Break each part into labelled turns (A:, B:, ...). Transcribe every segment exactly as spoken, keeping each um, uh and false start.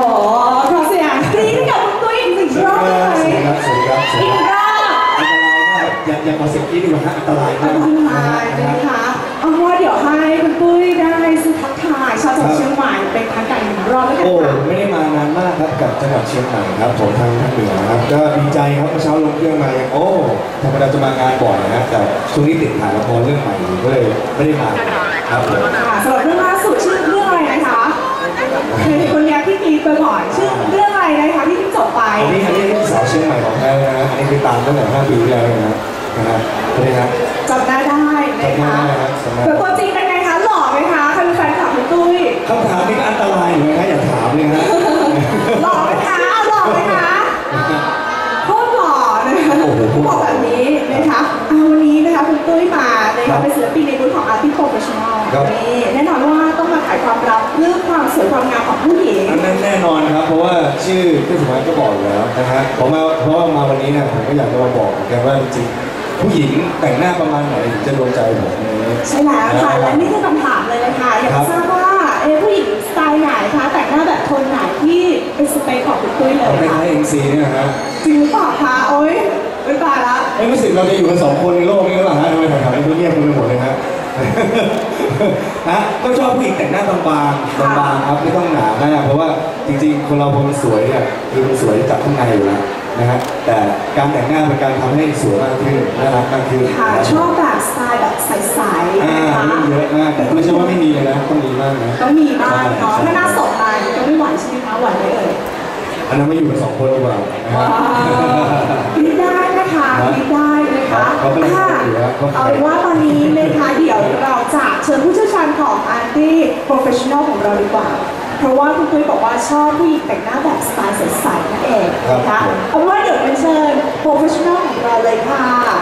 A: ขอเสียงกรี๊ดให้กับคุณตุ้ยอีกหนึ่งรอบเลย
B: สวัสดีครับสวัสดีครับอีกรอบอันตรายมากอย่าอย่ามาเสียงกรี๊ดดีกว่าฮะอันตรายมาก
A: อันตรายนะคะเอาว่าเดี๋ยวให้คุณตุ้ยได้สุทักทายชาวจังหวัดเชียงใหม่เป็นทางการหนึ่งรอบแล้วกัน
B: โอ้
A: ค่ะ
B: ไม่ได้มานานมากครับกับจังหวัดเชียงใหม่ครับผมทางภาคเหนือครับก็ดีใจครับเมื่อเช้าลงเครื่องมาอย่างโอ้ธรรมดาจะมางานบ่อยนะแต่ช่วงนี้ติดถ่ายละครเรื่องใหม่อยู่ก็เลยไม่ได้มาครับผม
A: ค่ะสำหรับเรื่องล่าสุดชื่อเรื่องอะไรนะคะเคยเห็นคนนี้ที่กรี๊ดบ่อยๆชื่อเรื่องอะไรนะคะที่เพิ่งจบไป
B: อันนี้อันนี้สาวเชียงใหม่ของแท้นะฮะอันนี้คือตามตั้งแต่ห้าปีที่แล้วนะนะฮะใช่ไหมครับ
A: จำหน้าได้นะคะแต่ตัวจริงเป็นไงคะหล่อไหมคะใครเป็นแฟนคลับคุณตุ้ย
B: คำถามนี้ก็อันตรายอยู่นะอย่าถามเลยนะ
A: หล่อไหมคะหล่อไหมคะโคตรหล่อนะคะบอกแบบนี้นะคะเอาวันนี้นะคะคุณตุ้ยมานะคะเป็นศิลปินในรุ่นของ Artist Professional นี่แน่นอนว่าต้องมาขายความลับเรื่องความสวยความงามของผู้หญิง
B: อันนั้นแน่นอนครับเพราะว่าชื่อพี่สมัยก็บอกอยู่แล้วนะฮะผมมาเพราะว่ามาวันนี้เนี่ยผมก็อยากจะมาบอกเหมือนกันว่าจริงๆผู้หญิงแต่งหน้าประมาณไหนถึงจะโดนใจผมเนี่ย
A: ใช่แล้วค่ะและนี่คือคำถามเลยนะคะอยากทราบว่าเอผู้หญิงสไตล์ไหนคะแต่งหน้าแบบโทนไหนที่เป็นสเปคของคุณตุ้ยเลย
B: เอาไป
A: ค่ะ
B: ให้เอ็นซีเนี่ยฮะ
A: จริงหรือเปล่าคะโอ๊ยไม่ตายละ
B: เอ้ยรู้สึกเราจะอยู่กันสองคนในโลกนี้หรือเปล่าฮะทำไมแถวๆนี้เงียบกันไปหมดเลยฮะ ฮะก็ชอบผู้หญิงแต่งหน้าบางๆบางๆครับไม่ต้องหนามากเพราะว่าจริงๆคนเราพอมันสวยเนี่ยคือมันสวยจากข้างในอยู่แล้วนะฮะแต่การแต่งหน้าเป็นการทำให้สวยมากขึ้นน่ารักมากขึ้น
A: ค่ะชอบแบบสไตล์แบบใสๆ
B: อ่า
A: นะคะ
B: เยอะมากแต่ไม่ใช่ว่าไม่มีเลยนะต้องมีมากนะ
A: ต้องมีบ้างเนาะถ้าหน้าสดมาก็ไม่ไหวใช่ไหมคะไหวไหมเอ่ย
B: อันนั้นไม่อยู่กันสองคนดีกว่านะฮะ
A: คิดได้นะคะคิดได้นะคะ
B: เขาเป็นคนอยู่แล้ว
A: เอาเป็นว่าตอนนี้นะคะเดี๋ยวเราจะเชิญผู้เชี่ยวชาญของ Artist Professional ของเราดีกว่า เพราะว่าคุณตุ้ยบอกว่าชอบผู้หญิงแต่งหน้าแบบสไตล์ใสๆนั่นเองนะคะเอาเป็นว่าเดี๋ยวเป็นเชิญ Professional ของเราเลยค่ะ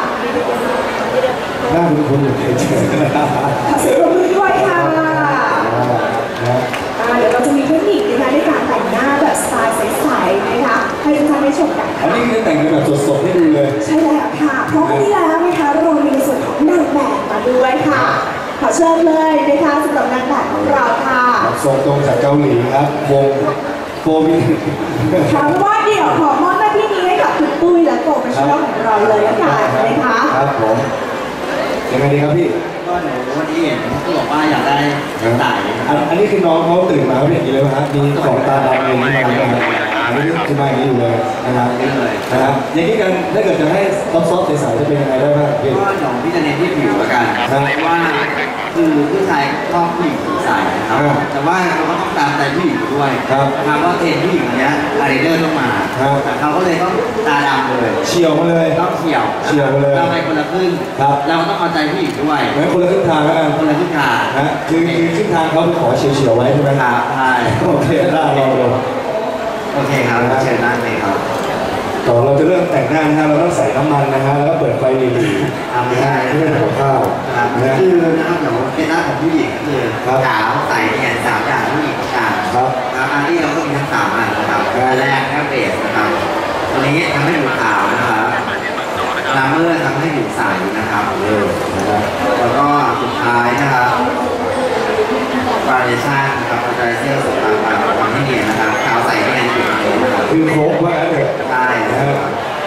B: หน้าคุณคุณอยู่เฉยๆ
A: ขอเสียงปรบมือด้วยค่ะ
B: นะ
A: อ่าเดี๋ยวเราจะมีเทคนิคนะคะในการแต่งหน้าแบบสไตล์ใสๆนะคะให้ทุกท่านได้ชมกัน
B: อัน
A: ค่ะ
B: นี้คือแต่งกันแบบสดๆให้ดูเลย
A: ใช่แล้วค่ะเพราะวันนี้แล้วนะคะเรามีในส่วนของนางแบบมาด้วยค่ะขอเชิญเลยนะคะสำหรับนางแบบของเราค่ะ
B: ส่งตรงจากเกาหลีครับวงโฟมิ
A: ถามว่าเดี๋ยวขอมอบหน้าที่นี้ให้กับคุณปุ้ยและโปรเฟชชั่นอลของเราเลยละกันนะคะ
B: ครับผมยังไงดีครับพี่
C: ก็หนูวันนี้เห็นเขาบอกว่าอยากได้สาย
B: อันอันนี้คือน้องเขาตื่นมาเขาเป็นอย่างนี้เลยไหมครับมีของตาดำอะไรอย่างนี้มาเลยครับอันนี้คือมาอย่างนี้อยู่เลยนะครับ
C: นี่เลย
B: นะครับอย่างนี้กันถ้าเกิดจะให้ซอฟต์ๆใสๆจะเป็นยังไงได้บ้างพี่
C: ก็เดี๋ยวพี่จะเน้นที่ผิวละกันเพราะว่าคือผู้ชายชอบผู้หญิงผิวใสนะครับแต่ว่าเราก็ต้องตามใจผู้หญิงด้วยนะครับว่าเทรนผู้หญิงอันนี้อะไรเดอร์ต้องมาแต่เขาก็เลยต้องตาดำเลย
B: เฉียวมาเลย
C: ต้องเฉียว
B: เฉียวไปเลย
C: เราไปคนละครึ่งเราก็ต้องเอาใจผู้หญิงด้วย
B: งั้นคนละครึ่งทางแล้วกัน
C: คนละครึ่งทาง
B: นะคือคือครึ่งทางเขาขอเฉียวๆไว้ใช่ไหม
C: ค
B: ค
C: รั
B: รับบ
C: ใช่
B: โอเคได้ลองดู
C: โอเคครับเชิญนั่งเลยครับ
B: ก่อนเราจะเริ่มแต่งหน้านะฮะเราต้องใส่น้ำมันนะฮะแล้วก็เปิดไฟดีๆ
C: ทำไม่ได้
B: ไม่เป็นหัวข้าว
C: นะครับ
B: นะ
C: คือนะครับเดี๋ยวเป็นหน้าของผู้หญิงคือ
B: ครับ
C: ขาวใสเนี่ยสามอย่างผู้หญิงต้องการ
B: ครับ
C: ครับอันที่เราก็มีทั้งสามอันนะครับอันแรกแค่เบสนะครับตัวนี้ทำให้ผิวขาวนะครับลาเมอร์ทำให้ผิวใสนะครับ
B: เออนะครับ
C: แล้วก็สุดท้ายนะครับฟาเดชั่นนะครับฟาเดชั่นสุดท้ายมาทำให้เนียนนะครับขาวใสเนียนผิวนี้นะครับ
B: คือครบว่างั้นเถอะ
C: ใช่นะครับ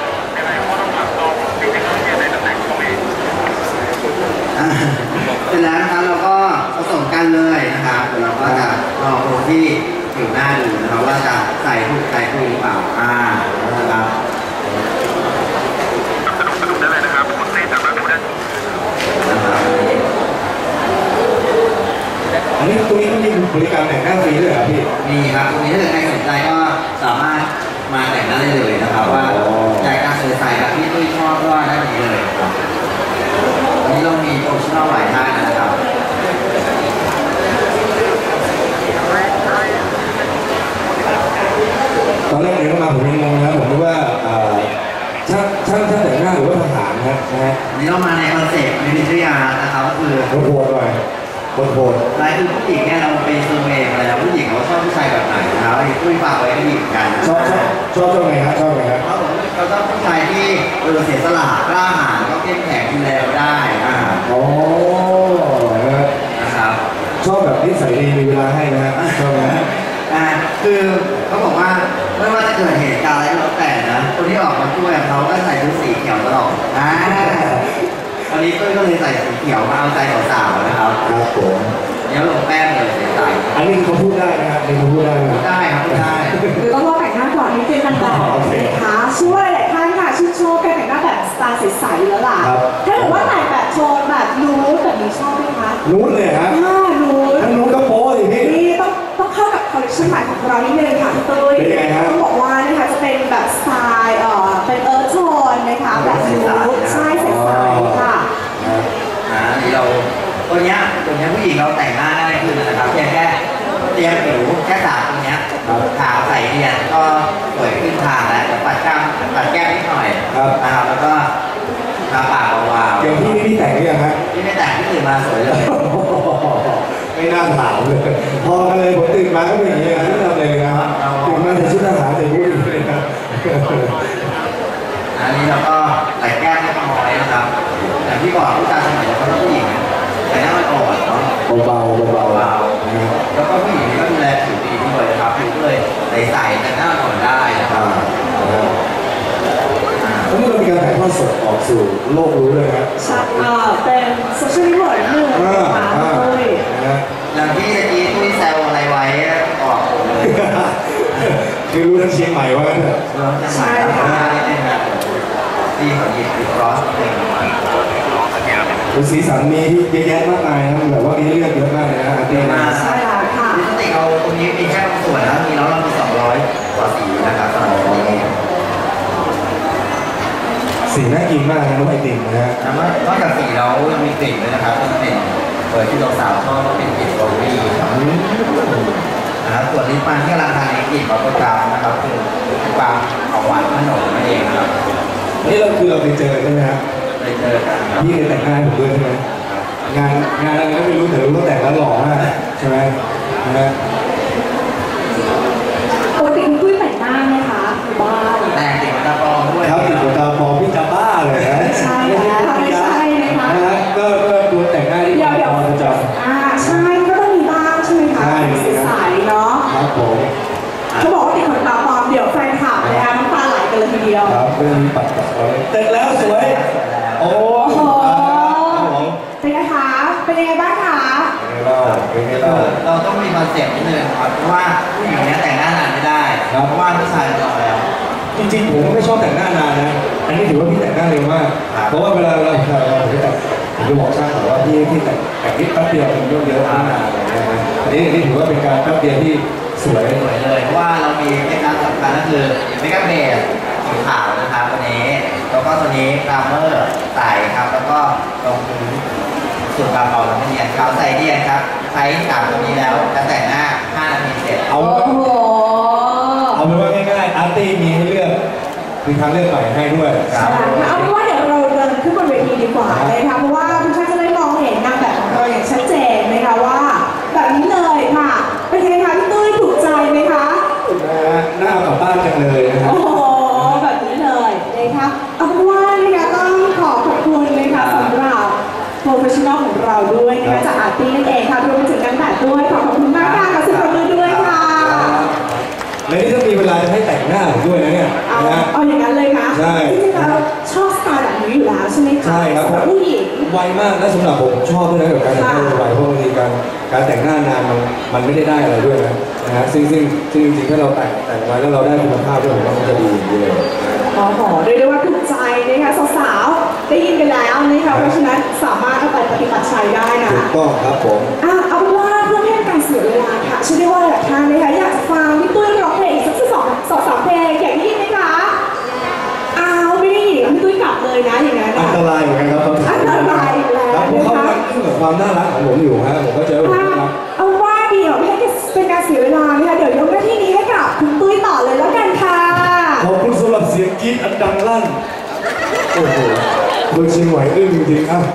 C: อ่าเสร็จแล้วนะครับเราก็ผสมกันเลยนะครับเดี๋ยวเราก็จะลองดูที่ผิวหน้าดูนะครับว่าจะใส่ถูกใส่ถูกหรือเปล่าอ่านะครับ
B: อันนี้ตรงนี้มันมีบริการแต่งหน้าฟรีด้วยเหรอพี่
C: มีครับตรงนี้ถ้าเกิดใครสนใจก็สามารถมาแต่งหน้าได้เลยนะครับว่าอยากจะใส่แบบที่ตุ้ยชอบก็ได้นี้เลยครับวันนี้เรามีโปรโมชั่นหลายท่านนะครับ
B: ตอนแรกเดินเข้ามาผมยังงงนะผมนึกว่าช่างช่างช่างแต่งหน้าหรือว่าทหารนะนะฮะ
C: วันนี้เรามาในคอนเซ็ปต์มิลิเตอรี่อาร์ตนะครับก็คือ
B: โหดๆหน่อยโหด
C: ลายคือผู้หญิงเนี่ยเราไปเซอร์เวย์มาแล้วผู้หญิงเขาชอบผู้ชายแบบไหนนะครับไอ้ตุ้ยฝากไว้ก็ดีเหมือนกัน
B: ๆชอบชอบชอบชอบไงครับชอบไงครับ
C: เขาบอกว่าเขาชอบผู้ชายที่เออเสียสละกล้าหาญแล้วก็เข้มแข็งดูแลเราได้อ่า
B: อ๋อนะฮะ
C: นะครับ
B: ชอบแบบนิสัยดีมีเวลาให้นะฮะชอบไหม
C: อ่าคือคือเขาบอกว่าไม่ว่าจะเกิดเหตุการณ์อะไรก็แล้วแต่นะคนที่ออกมาช่วยเขาก็ใส่ชุดสีเขียวตลอดอ่าวันนี้ตุ้ยก็เลยใส่สีเขียวมาเอาใจสาวๆนะครับ
B: ครับผม
C: เดี๋ยวลงแป้งเลยเสียใจ
B: อันนี้เขาพูดได้นะครับนี่เขาพูดได้
C: พูดได้ครับพูดได้
A: หรือต้องรอแต่งหน้าก่อนนิดนึงกันต่อนะคะช่วยหลายท่านค่ะชื่นชอบการแต่งหน้าแบบสไตล์ใสๆแล้วล่ะถ้าเกิดว่าแต่งแบบโทนแบบนูดแบบนี้ชอบไหมคะ
B: นูดเลยฮะ
A: อ่านูด
B: ทั้งนูดก็โป๊เลยพี่
A: นี่ต้องต้องเข้ากับคอลเลคชันใหม่ของเรานิดนึงค่ะพี่ตุ้ยต้องบอกว่านะคะจะเป็นแบบสไตล์เอ่อเป็นเอิร์ธโทนนะคะแบบนูดใช่ใสๆค่ะ
C: อ่าที่เราตัวเนี้ยตัวเนี้ยผู้หญิงเราแต่งหน้าง่ายขึ้นนะครับเพียงแค่เตรียมผิวแค่สามตัวเนี้ยขาวใสเนียนก็สวยขึ้นทางแล้วปัดกล้ามปัดแก้มนิดหน่อยนะครับแล้วก็ทาปากวาวๆ
B: อย่างพี่นี่พี่แต่งหรือยังฮะ
C: พี่ไม่แต่งพี่ตื่นมาสวยเลย
B: ไม่น่าถามเลยพอกันเลยผมตื่นมาก็เป็นอย่างนี้นะที่ทำเลยนะครับตื่นมาใส่ชุดทหารใส่บูทเลยนะ
C: อันนี้เราก็แต่งแก้มเล็กน้อยนะครับอย่างที่บอกผู้ชายสมัยนี้เขาต้องผู้หญิงแต่หน้ามันอ่อนเนาะ
B: เบาๆเบาๆ
C: แล้วก็ผู้หญิงนี่ก็ดูแลผิวดีด้วยนะครับผิวก็เลยใสๆแต่หน้าอ่อนได้นะครับ
B: แล้วเมื่อเรามีการถ่ายทอดสดออกสู่โลกรู้เลยครับ
A: ใช่เป็นโซเชียลมีเดียหนึ่งนะคะเลย
C: อย่างที่ตะกี้ตุ้ยแซวอะไรไว้ออกเลย
B: คือรู้ทั้งเชียงใหม่ว่า
C: ใช่ค่ะที่เขาหยิบติดรอสเอง
B: คือสีสันมีเยอะแยะมากมายนะแบบว่ามีเลือกเยอะมากเลยนะ
C: เยอะมาก
A: ใช่ค่ะ
C: ปกติเราตรงนี้มีแค่บางส่วนนะมีแล้วเรามีสองร้อยกว่าสีนะครับสำหรับนี้
B: สีน่ากินมากนะน้องไอติมนะฮะ
C: นอกจากสีแล้วยังมีกลิ่นด้วยนะครับที่เป็นเปิดที่เราสาวชอบเป็นกลิ่นโรบี้นะครับส่วนลิ้นปันที่กำลังทานในกลิ่นบับเบิ้ลกัมนะครับคือความของหวานขนมนั่นเองครับ
B: นี่เราคือเราไปเจอใช่ไหมครับ
C: ไปเจอกัน
B: พี่เคยแต่งงานผมด้วยใช่ไหมงานงานอะไรก็ไม่รู้แต่รู้ว่าแต่งแล้วหล่อมากใช่ไหมนะฮะ
A: ปกติคุณตุ้ยแต่งหน้าไหมคะบ้าน
C: แต่งติดตาปลอมด้วย
B: ครับติดตาปลอมพี่จะบ้าเลยนะ
A: ใช่แล้วไม่ใช่นะคะ
B: นะฮะก็ก็ดูแต่งหน้าที่
A: ปลอมประจำอ่าใช่ก็ต้องมีบ้างใช่ไหมคะใสๆเนาะ
B: ครับผม
A: เขาบอกว่าติดขนตาปลอมเดี๋ยวแฟนคลับนะคะน้ำตาไหลกันเลยทีเดียว
B: ครับเรื่องนี้ปัดปัดไว้เสร็จแล้วสวยโอ้โห
A: เป็นไงคะเป็นยังไงบ้างคะ
B: เราเป็นไงเรา
C: เราต้องมีคอนเซ็ปต์นิดนึงครับเพราะว่าผู้หญิงเนี้ยแต่งหน้านานไม่ได้เพราะว่าผู้ชายรอแล้ว
B: จริงๆผมก็ไม่ชอบแต่งหน้านานนะอันนี้ถือว่าพี่แต่งหน้าเร็วมากเพราะว่าเวลาเราเราเราแต่งผมจะบอกช่างว่าพี่พี่แต่งแต่งนิดแป๊บเดียวเป็นเยอะเยอะนานอะไรเงี้ยนะอันนี้อันนี้ถือว่าเป็นการแป๊บเดียวที่สวย
C: สวยเลยเพราะว่าเรามีเทคนิคสำคัญก็คือเมคอัพเบสสีขาวนะครับตัวนี้แล้วก็ตัวนี้พรามเมอร์ใสครับแล้วก็ตรงพื้นส่วนกระเป๋าเราเนียนขาวใสเนียนครับใช้สามตัวนี้แล้วจะแต่งหน้าห้านาทีเสร็จ
B: เอาเอาเป็นว่าง่ายๆอาร์ตี้มีให้เลือกมีทางเลือกใหม่ให้ด้วย
A: เอาเป็นว่าเดี๋ยวเราเดินขึ้นบนเวทีดีกว่าเลยค่ะเพราะว่าทุกท่านจะได้มองเห็นนางแบบของเราอย่างชัดเจนนะคะว่าแบบนี้เลยค่ะเป็นไงคะพี่ตุ้ยถูกใจไหมคะ
B: หน้ากลับบ้านจังเลยนะครับ
A: โอ้โหแบบนี้เลยนะคะเอาเป็นว่านะคะต้องขอขอบคุณนะคะสำหรับโปรเฟชชั่นอลของเราด้วยนะคะจากอาร์ตี้นั่นเองค่ะรวมไปถึงการแต่งด้วยขอขอบคุณมากค่ะขอสุดมือด้วยค่ะ
B: และนี่ถ้ามีเวลาจะให้แต่งหน้าผมด้วยนะเนี่ย
A: เอาเอาอย่างนั้นเลยค่ะ
B: ใช่
A: จริงๆเราชอบสไตล์แบบนี้อยู่แล้วใช่ไหมคะ
B: ใช่ครับ
A: ผู้หญิง
B: ไวมากและสำหรับผมชอบด้วยนะกับการแต่งหน้าไวเพราะบางทีการการแต่งหน้านานมันมันไม่ได้ได้อะไรด้วยนะนะฮะซึ่งซึ่งซึ่งจริงๆถ้าเราแต่งแต่งไว้แล้วเราได้คุณภาพด้วยผมว่ามันจะดีอย่างนี้เลย
A: อ๋อหอเรียกได้ว่าถูกใจนะคะสาวๆได้ยินกันแล้วนะคะเพราะฉะนั้นสามารถเอาไปปฏิบัติใช้ได้นะ
B: ถูกต้องครับผม
A: อ่ะเอาเป็นว่าเพื่อไม่ให้การเสียเวลาค่ะเชื่อได้ว่าหลายท่านนะคะอยากจะฟังพี่ตุ้ยร้องเพลงอีกสักสองสองสามเพลงอยากได้ยินไหมคะอ้าวไม่ได้ยินพี่ตุ้ยกลับเลยนะอย่างนั้น
B: อันตรายเหมือนกันครับ
A: อันตรายแล้ว
B: ครับผมเขากำลังขึ้นกับความน่ารักของผมอยู่ฮะผมก็เจอผมน่ารัก
A: เอาว่าเดี๋ยวไม่ให้เป็นการเสียเวลานะคะเดี๋ยวยกหน้าที่นี้ให้กับคุณตุ้ยต่อเลยแล้วกันค่ะ
B: ขอบคุณสำหรับเสียงกรี๊ดอันดังลั่นโอ้โหโดยชิงไหวอึ้งจริงๆอ่ะ